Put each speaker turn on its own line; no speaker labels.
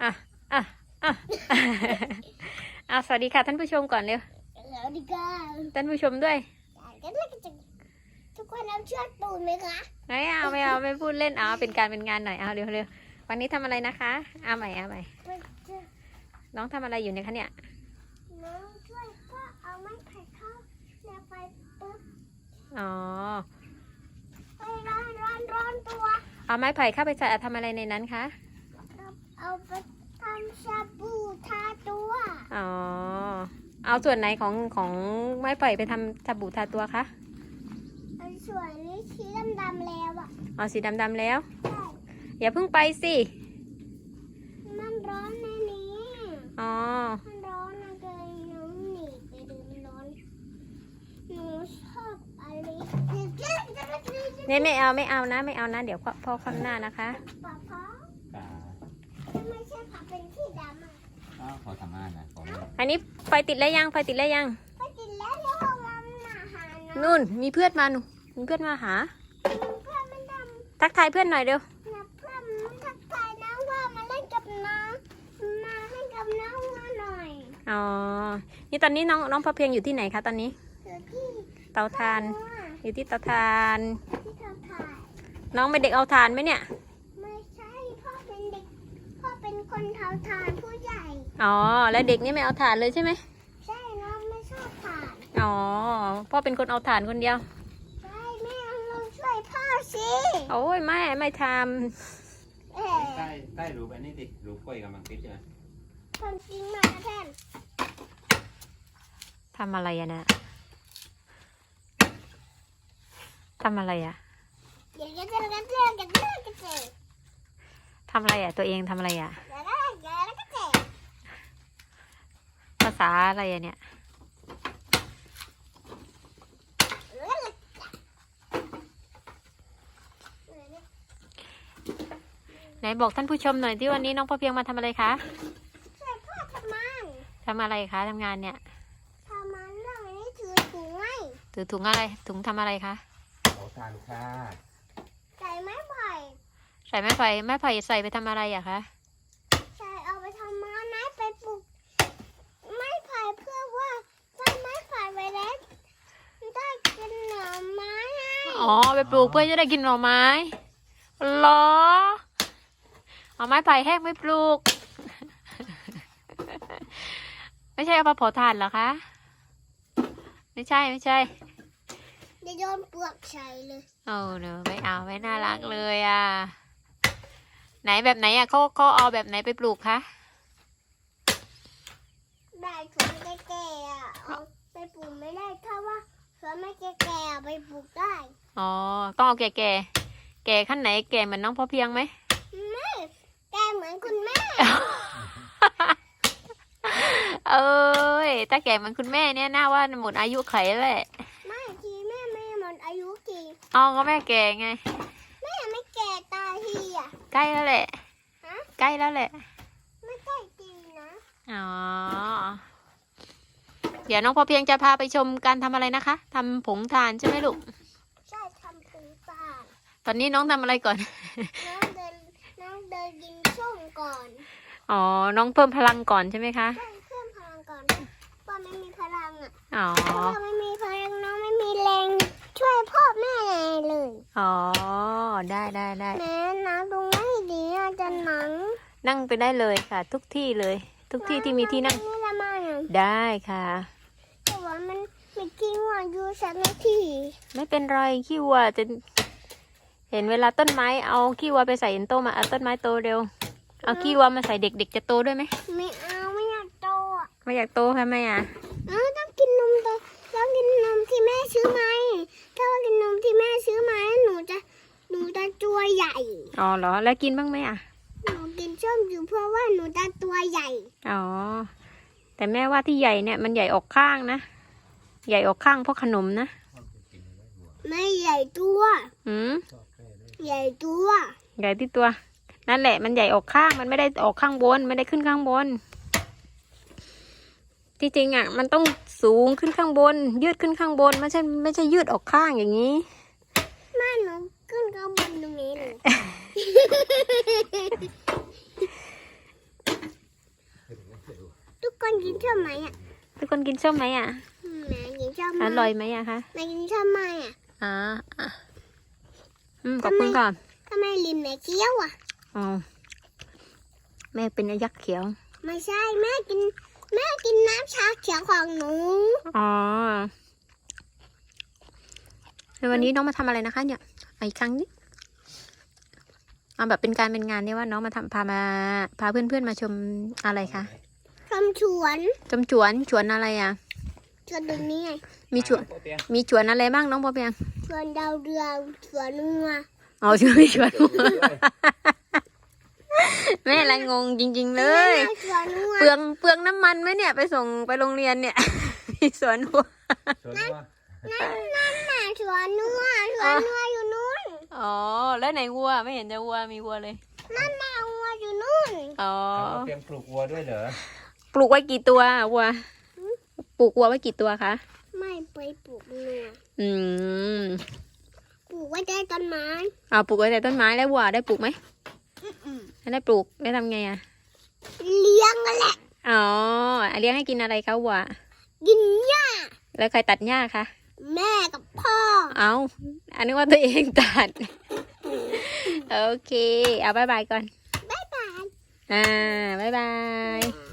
อ่ะอ่ะอ่ะเอาสวัสดีค่ะท่านผู้ชมก่อนเร็ว
สวัสดีค่ะ
ท่านผู้ชมด้วย
ทุกคนเอาเชือกปูนไหมคะ
ไม่เอาไม่พูดเล่นเอาเป็นการเป็นงานหน่อยเอาเร็ววันนี้ทำอะไรนะคะเอาใหม่น้องทำอะไรอยู่เนี่ยคะเนี่ย
น้องช่วยก็เอาไม้ไผ่เข้าแล้วไปปุ๊บ
อ๋อ
ไปร้อนตัว
เอาไม้ไผ่เข้าไปใส่ทำอะไรในนั้นคะ
เอาไปทำชาบูทาตัว
อ๋อเอาส่วนไหนของไม้ไผ่ไปทำสบู่ทาตัวคะ
ส่วนนี้สีดำแล้วอ่ะ
อ๋อสีดำแล้ว
ใช่
อย่าเพิ่งไปสิ
มันร้อนในนี้
อ๋อ
มันร้อนนะเกยน้องหนีไปดูมันร้อนหนูชอบอะไร
เนี่ยไม่เอานะเดี๋ยวพ่อคว่ำหน้านะคะ
ป๊าไม่ใช่ค่ะเป็นที่ดำอ่ะ
ก็ขอทำงานนะขอ
อันนี้ไฟติดแล้วยัง
ไปติดแล้วเดี๋ยวเรามาหา
นู่นมีเพื่อนมามีเพื่อนมาหาทักทายเพื่อนหน่อยเร็ว
เพื่อนทักทายน้องว่ามาเล่นกับน้องมาเล่นกับน้องมาหน่อย
อ๋อนี่ตอนนี้น้องพอเพียงอยู่ที่ไหนคะตอนนี้
อยู่ที่
เตาถ่านอยู่ที่เตาถ่าน
ที่เตาถ่าน
น้องเป็นเด็กเอาถ่านไหมเนี่ย
ไม่ใช่พ่อเป็นเด็กพ่อเป็นคนเตาถ่านผู้ใหญ่
อ๋อแล้วเด็กนี่ไม่เอาถ่านเลยใช่ไหม
ใช่น้องไม่ชอบถ่าน
อ๋อพ่อเป็นคนเอาถ่านคนเดียว
ใช่แม่ลองช่วยพ่อสิ
โอ้ยไม่ท
ใต้รูปอันนี้ดิรูปกล้วยกำลังติดใช่ไหม
ความจริงมาแทน
ทำอะไรอะนะทำอะไรอะทำอะไรอะตัวเองทำอะไรอะภาษาอะไรอะเนี่ยไหนบอกท่านผู้ชมหน่อยที่วันนี้น้องพอเพียงมาทำอะไรคะ
ช่วยพ่อทำงาน
ทำอะไรคะทำงานเนี่ย
ทำมันเรื่องนี้ถือถุงไว้
ถือถุงอะไรถุงทำอะไรคะ
ขอทานค่ะ
ใส่ไม้ไผ่
ใส่ไม้ไผ่ใส่ไปทำอะไรอะคะ
ใส่เอาไปทำไม้ไปปลูกไม้ไผ่เพื่อว่าถ้าไม้ไผ่ไปแล้วได้กินหน่อไม้
อ๋อไปปลูกเพื่อจะได้กินหน่อไม้เหรอเอาไม้ไผ่แห้งไม่ปลูก ไม่ใช่เอามาเผาถ่านเหรอคะไม่ใช่
จะโยนเปลือกใส่เลย
โอ้เนอะไม่เอาไม่น่ารักเลยอ่ะไหนแบบไหนอ่ะเขาเอาแบบไหนไปปลูกคะ
ได้ถุงแก่ๆอ่ะเอาไปปลูกไม่ได้ถ้าว่าถ้าไม่แก่ๆไปปลูกได้
อ๋อต้องเอาแก่ขั้นไหนแก่เหมือนน้องพ่อเพียงไหม
ไม่แก่เหมือนคุณแม่
เอ้ยถ้าแก่เหมือนคุณแม่เนี่ยน่าว่าหมดอายุไขแหละ
ไม่ทีแม่ไม่หมดอายุที
อ๋อก็แม่แก่ไง
แม่ไม่แก่ตายทีอ่ะ
ใกล้แล้วแหละใกล้แล้วแหละ
ไม่ใกล้จริงนะ
อ๋อเดี๋ยวน้องพอเพียงจะพาไปชมการทำอะไรนะคะทำผงถ่านใช่ไหมลูก
ใช่ทำผงถ่าน
ตอนนี้น้องทำอะไรก่อน
น้องเดินกินส้มก่อน
อ๋อน้องเพิ่มพลังก่อนใช่ไหมคะ
ใช่เพิ่มพลังก่อนพ่อไม่มีพลังอ่ะ
อ๋อ
พ่อไม่มีพลังน้องไม่มีแรงช่วยพ่อแม่เลย
อ๋อได้
แม่นะตรงนี้ดีอาจารย์
นั่งไปได้เลยค่ะทุกที่เลยทุกที่ที่มีที่นั่งได้ค่ะ
แต่ว่ามันไม่ขี้วัวอยู่สักนาที
ไม่เป็นไรขี้วัวจะเห็นเวลาต้นไม้เอาขี้วัวไปใส่ต้นมาเอาต้นไม้โตเร็วเอาขี้วัวมาใส่เด็กจะโตด้วยไหม
ไม่เอาไม่อยากโตอ่ะ
ไม่อยากโตทำไมอ่ะ
ต้องกินนมต้องกินนมที่แม่ซื้อไหมถ้าว่ากินนมที่แม่ซื้อไหมหนูจะตัวใหญ่
อ๋อเหรอแล้วกินบ้างไหมอ่ะ
หนูกินส้มอยู่เพราะว่าหนูจะตัวใหญ่
อ๋อแต่แม่ว่าที่ใหญ่เนี่ยมันใหญ่ออกข้างนะใหญ่ออกข้างเพราะขนมนะ
ไม่ใหญ่ตัวใหญ่ตัว
ใหญ่ที่ตัวนั่นแหละมันใหญ่ออกข้างมันไม่ได้ออกข้างบนไม่ได้ขึ้นข้างบนที่จริงอ่ะมันต้องสูงขึ้นข้างบนยืดขึ้นข้างบนไม่ใช่ยืดออกข้างอย่างนี้
แม่หนูขึ้นข้างบนตรงนี้เลยคนกินชอบไหมอ่ะ
ทุกคนกินส้มไหมอ่ะ
แม่กินชอบไหม
อร่อยไหมอะคะ
แม่กินชอบไหมอ่ะ
อ๋ออ่ะขอบคุณค่ะ
ทำไมลิ้นแม่เคี้ยวอ่ะ
อ๋อแม่เป็นยักษ์เขียว
ไม่ใช่แม่กินน้ำชาเขียวของหนู
อ๋อแล้ววันนี้น้องมาทำอะไรนะคะ เนี่ยเอาอีกครั้งนี้เอาแบบเป็นการเป็นงานเนี่ยว่าน้องมาทำพาเพื่อนๆมาชมอะไรคะ
ทำชวน
ชมสวนอะไรอ่ะ
ชวนตรงนี้ไง
มีสวนอะไรบ้างน้องปอเปียง
ชวนดาวเรืองชวนเนื้อ
อ๋อชวนมีสวน แม่ละงงจริงๆเลย
ชวนเนื้อ
เปลืองน้ำมันไหมเนี่ยไปส่งไปโรงเรียนเนี่ย มีสวนหัว
ส่วนตัว
นั่นน่ะชวนเนื้ออยู่นู่น
อ๋อแล้วไหนวัวไม่เห็นจะวัวมีวัวเลย
นั่นน่ะวัวอยู่นู่น
อ๋อ
เอาเตรียมปลูกวัวด้วยเหรอ
ปลูกไว้กี่ตัววัวปลูกวัวไว้กี่ตัวคะ
ไม่ไปปลูกเนื้อ
อืม
ปลูกไว้ใต้ต้นไม้
เอาปลูกไว้แต่ต้นไม้แล้ววัวได้ปลูกไหมไม่ได้ปลูกได้ทำไงอ่ะ
เลี้ยงกันแหละ
อ๋อเลี้ยงให้กินอะไรคะวัว
กินหญ้า
แล้วใครตัดหญ้าคะ
แม่กับพ่อ
เอาอันนี้ว่าตัวเองตัด โอเค เอาบายบายก่อน
บ๊ายบาย
บ๊ายบาย